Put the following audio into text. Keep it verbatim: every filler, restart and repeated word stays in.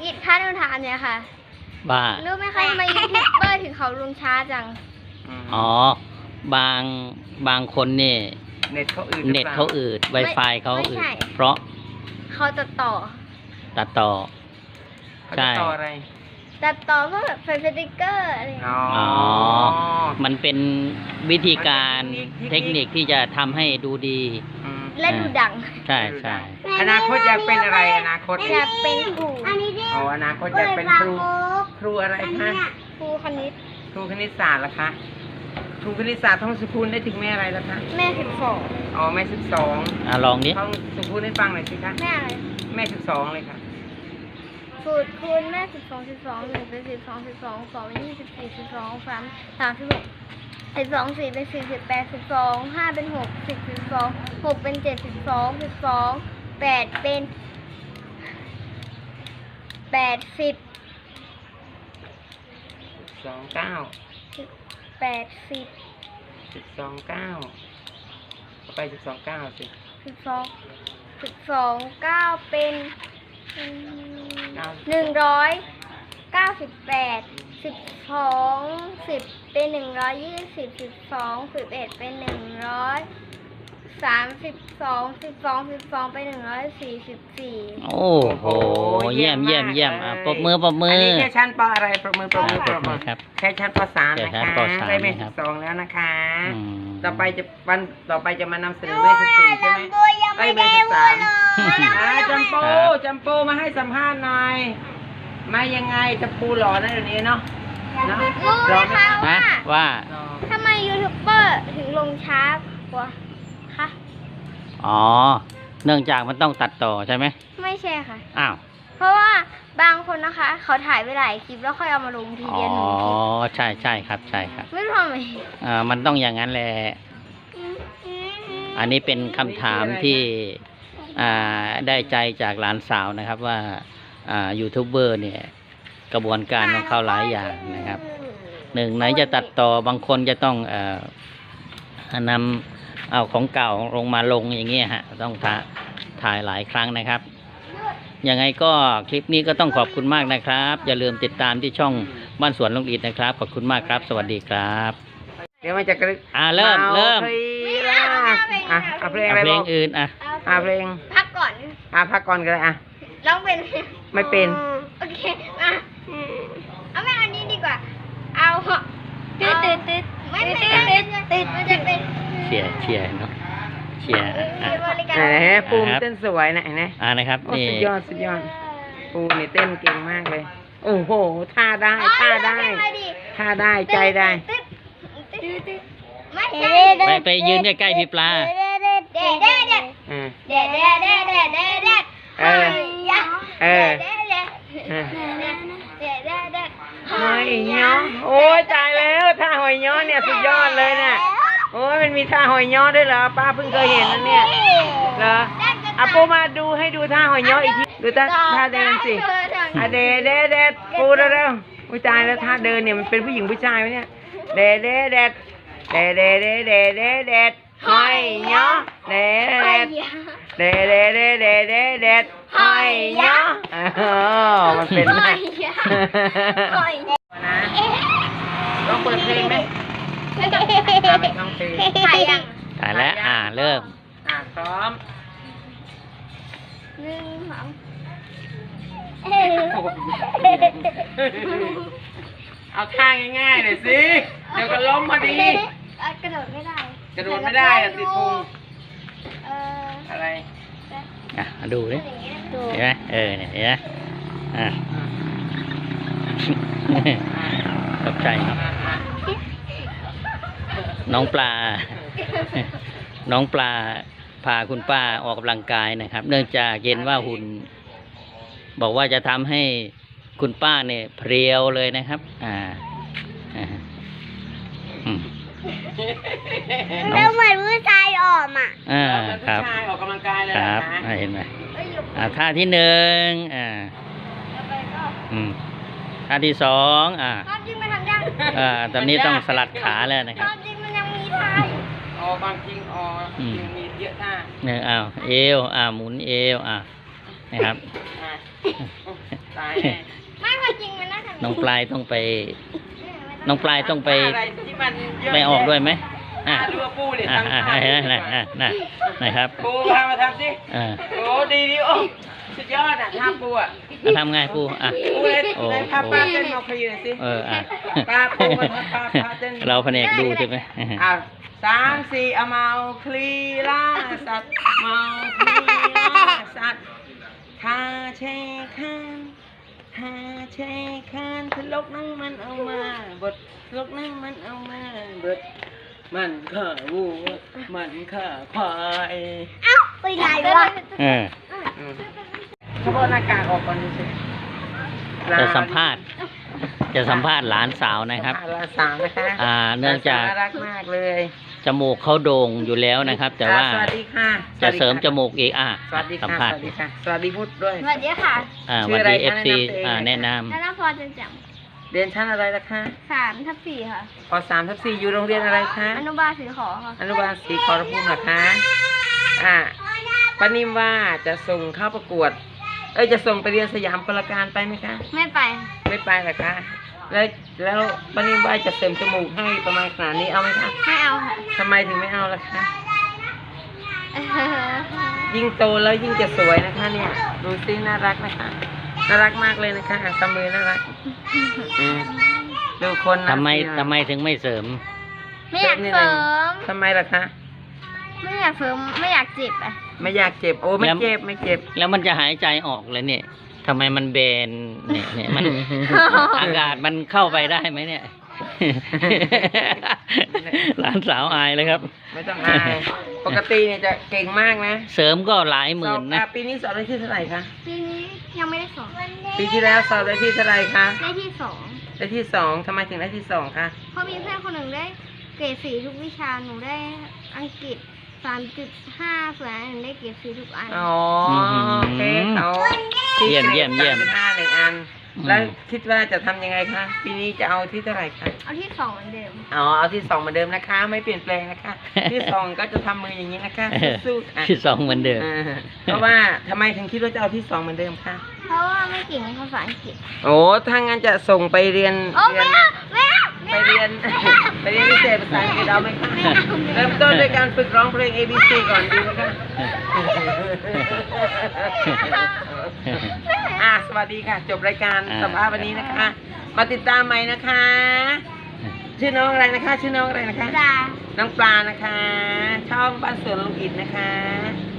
กิจค่าเดินทางเนี่ยค่ะบ้ารู้ไหมคะทำไมยูทูบเบอร์ถึงเขาลงช้าจังอ๋อบางบางคนนี่เน็ตเขาอืดเน็ตเขาอืด Wi-Fi เขาอืดเพราะเขาตัดต่อตัดต่อใช่ต่ออะไรตัดต่อเพื่อแบบใส่สติ๊กเกอร์อะไรอ๋อมันเป็นวิธีการเทคนิคที่จะทำให้ดูดีและดูดังใช่ใช่อนาคตอยากเป็นอะไรอนาคตอยากเป็นครูอ๋ออนาคตอยากเป็นครูครูอะไรคะครูคณิตครูคณิตศาสตร์ล่ะคะครูคณิตศาสตร์ท่องสุขุนได้ถึงแม่อะไรล่ะคะแม่สิบสองอ๋อแม่สิบสองอ่ะลองดิท่องสุขุนให้ฟังหน่อยสิคะแม่อะไรแม่สิบสองเลยค่ะสูตรคูณแม่สิบสองสิบสองหนึ่งเป็นสิบสองสิบสองสองเป็นยี่สิบสี่สิบสองสามสามสิบหกสิบสองสี่เป็นสี่สิบแปดสิบสองห้าเป็นหกสิบสิบสองหกเป็นเจ็ดสิบสองสิบสองแปดเป็นแปดสิบสองเก้าแปดสิบสิบสองเก้าไปสิบสองเก้าสิสิบสองสิบสองเก้าเป็นหนึ่งร้อยเก้าสิบแปดสิบสองสิบเป็นหนึ่งร้อยยี่สิบสิบสองสิบเอ็ดเป็นหนึ่งร้อยสามสิบสองสิบสองสิบสองเป็นหนึ่งร้อยสี่สิบสี่โอ้โหเยี่ยมเยี่ยมเยี่ยมอ่ะปรบมือปรบมืออันนี้แค่ชั้นปอะไรปรบมือปรบมือปรบมือครับแค่ชั้นปสามนะคะได้เมสิบสองแล้วนะคะต่อไปจะวันต่อไปจะมานำเสนอเมสิบสี่ใช่ไหมไอ้เมสิบสามจำปูจำปูมาให้สัมภาษณ์หน่อยมายังไงจำปูหล่อนะเดี๋ยวนี้เนาะรู้ไหมคะว่าว่าทำไมยูทูบเบอร์ถึงลงช้ากว่าคะอ๋อเนื่องจากมันต้องตัดต่อใช่ไหมไม่ใช่ค่ะอ้าวเพราะว่าบางคนนะคะเขาถ่ายไปหลายคลิปแล้วค่อยเอามาลงทีเดียวหนึ่งคลิปอ๋อใช่ใช่ครับใช่ครับไม่รู้ทำไมอ่ามันต้องอย่างนั้นแหละอันนี้เป็นคำถามที่อ่าได้ใจจากหลานสาวนะครับว่าอ่ายูทูบเบอร์เนี่ยกระบวนการของเขาหลายอย่างนะครับหนึ่งไหนจะตัดต่อบางคนจะต้องเอ่อนำเอาของเก่าลงมาลงอย่างเงี้ยฮะต้องถ่ายหลายครั้งนะครับยังไงก็คลิปนี้ก็ต้องขอบคุณมากนะครับอย่าลืมติดตามที่ช่องบ้านสวนลุงอิฐนะครับขอบคุณมากครับสวัสดีครับเดี๋ยวมันจะกระอ่าเริ่มเริ่มอ่ะเอาเพลงอะไรเพลงอื่นอ่ะอ่ะเพลงพักก่อนอ่ะพักก่อนก็ได้อ่ะร้องเป็นไม่เป็นโอเคอ่ะเอาไม่เอานี้ดีกว่าเอาตืดตืดตืดไม่ตืดตืดตืดมันจะเป็นเชียร์เชียร์เนาะเชียร์ไหนปูมเต้นสวยนะไหนอ่านะครับนี่สุดยอดสุดยอดปูนี่เต้นเก่งมากเลยโอ้โหท่าได้ท่าได้ท่าได้ใจได้ไปไปยืนใกล้ๆพี่ปลาเด็ดเด็ดเด็ดเด็ดเด็ดเด็ดเด็ดเด็ดเด็ดเด็ดเด็ดเออเออหอยย้อโอ้ยตายแล้วท่าหอยย้อเนี่ยสุดยอดเลยเนี่ยโอ้ยมันมีท่าหอยย้อด้วยเหรอป้าเพิ่งเคยเห็นนะเนี่ยเหรออ่ะปูมาดูให้ดูท่าหอยย้ออีกทีดูท่าท่าเดินสิอ่ะเดเดเดปูเร็วๆอุ้ยตายแล้วท่าเดินเนี่ยมันเป็นผู้หญิงผู้ชายไหมเนี่ยเดเดเดเดเดเดเดเดเดหอยย้อเดเดเดเดเดเดเดเดหอยย้ออ๋อมันเป็นนะต้องเปิดเพลงไหมไม่ต้องเพลงถ่ายยังถ่ายแล้วอ่าเริ่มอ่าพร้อมหนึ่งสองเอาท่าง่ายๆหน่อยสิเดี๋ยวก็ล้มพอดีกระโดดไม่ได้กระโดดไม่ได้อะติดพุงอะไรอ่ะดูดิเห็นไหมเออเนี่ยเห็นไหมอ่ะตกใจเนาะน้องปลาน้องปลาพาคุณป้าออกกำลังกายนะครับเนื่องจากเห็นว่าหุ่นบอกว่าจะทำให้คุณป้าเนี่ยเพรียวเลยนะครับอ่าแล้วเหมือนผู้ชายออกอ่ะอ่าครับผู้ชายออกกำลังกายเลยครับเห็นไหมอ่าท่าที่หนึ่งอ่าอืมท่าที่สองอ่าอ่าตอนนี้ต้องสลัดขาแล้วนะครับจริงมันยังมีท่าอ๋อบางจริงอ๋อมีเยอะท่าเนี่ยอ้าวเอวอ่าหมุนเอวอ่านะครับตายแน่ไม่พอจริงมันน่าจะน้องปลายต้องไป น้องปลายต้องไปอะไรที่มันเยะไปออกด้วยไหมอ่ะอ่ะดูว่าปูดิอ่ะทำอ่ะท่าอ่ะดิอ่ะอ่ะอ่ะนะครับปูพามาทำสิอ่าโอ้ดีดีโอ้สุดยอดอ่ะท่าปูอ่ะแล้วทำไงปูอ่ะปูเลยโอ้เลยพาป้าเต้นมาพยีหน่อยสิเอออ่ะป้าปูมาพาป้าเต้นเราแผนกดูใช่ไหมอ่ะสามสี่เอาเมาคลีล่าสัตว์เมาคลีล่าสัตว์ทาเชคันทาเชคันทะลกนั่งมันเอามาบททะลกนั่งมันเอามาบทมันข่าวัวมันข่าควายเอ้าไปไหนวะเอออืมเขาบอกหน้ากากออกก่อนดิสิจะสัมภาษณ์ จะสัมภาษณ์หลานสาวนะครับสัมภาษณ์หลานสาวนะคะอ่า เนื่องจากน่ารักมากเลยจมูกเขาโด่งอยู่แล้วนะครับ แต่ว่าอ่สวัสดีค่ะจะเสริมสวัสจดีค่ะมูกอีกอ่ะสวัสดีสัมค่ะภาษสณ์วัสดีค่ะ สวัสดีพุทธด้วยสวัสดีค่ะอ่าชื่วัอน อะไรดีคะเอฟซีแนะนำตัวเองอ่า แนะนแล้วน้าพอจะจเรียนชั้นอะไรล่ะคะำสามทับสี่ค่ะปสามทับสี่อยู่โรงเรียนอะไรคะอนุบาลสีขอค่ะอนุบาลศรีขอรภูมิเหรอคะ อ่าป้านิ่มว่าจะส่งเข้าประกวด เอ้ยจะส่งไปเรียนสยามกลการไปไหมคะไม่ไปไม่ไปเหรอคะ แล้วแล้วป้านิ่มว่าจะเสริมจมูกให้ประมาณขนาดนี้เอาไหมคะไม่เอาค่ะทำไมถึงไม่เอาล่ะคะเออยิ่งโตแล้วยิ่งจะสวยนะคะเนี่ย ดูซิน่ารักนะคะ น่ารักมากเลยนะคะอ่ะตบมือน่ารักอืมดูคนำนะทำไมสิทำไมถึงไม่เสริมไม่อยากเสริมทำไมล่ะคะไม่อยากเสริม ไม่อยากเจ็บอ่ะไม่อยากเจ็บ โอ้ไม่แล้วเจ็บไม่เจ็บแล้วมันจะหายใจออกเลยเนี่ยทำไมมันเบนเนี่ยเนี่ยมัน อากาศมันเข้าไปได้ไหมเนี่ย หลานสาวอายเลยครับไม่ต้องอาย ปกติเนี่ยจะเก่งมากนะเสริมก็หลายหมื่นสอบนะอ่ปีนี้สอบได้ที่เท่าไหร่คะปีนี้ยังไม่ได้สองปีที่แล้วสอบได้ที่เท่าไหร่คะได้ที่สองได้ที่สองทำไมถึงได้ที่สองคะเพราะมีเพื่อนคนหนึ่งได้เกรดสี่ทุกวิชา หนูได้อังกฤษสามจุดห้าส่วนอันหนึ่งได้เกรดสี่ทุกอันอ๋อโอเคเขาเยี่ยมเยี่ยมเยี่ยมสาจุดห้าหนึ่งอันอืมแล้วคิดว่าจะทำยังไงคะ ปีนี้จะเอาที่เท่าไหร่คะเอาที่สองเหมือนเดิมอ๋อ เอาที่สองเหมือนเดิมนะคะ ไม่เปลี่ยนแปลงนะคะ ที่สองก็จะทำมืออย่างนี้นะคะ สู้ๆค่ะที่สองเหมือนเดิมอ่าเพราะว่าทำไมถึงคิดว่าจะเอาที่สองเหมือนเดิมคะเพราะว่าไม่เก่งภาษาอังกฤษโอ้ถ้างั้นจะส่งไปเรียนโอ้เรีไม่นเอาไม่เอาไปเรียน ไปเรียนพิเศษภาษาอังกฤษเอาไหมคะเริ่มต้นด้วยการฝึกร้องเพลง A B C ก่อนดีไหมคะ อ่ะสวัสดีค่ะ จบรายการอ่าสัมภาษณ์วันนี้นะคะ มาติดตามใหม่นะคะ ชื่อน้องอะไรนะคะ ชื่อน้องอะไรนะคะจ้าน้องปลานะคะ ช่องบ้านสวนลุงอิดนะคะ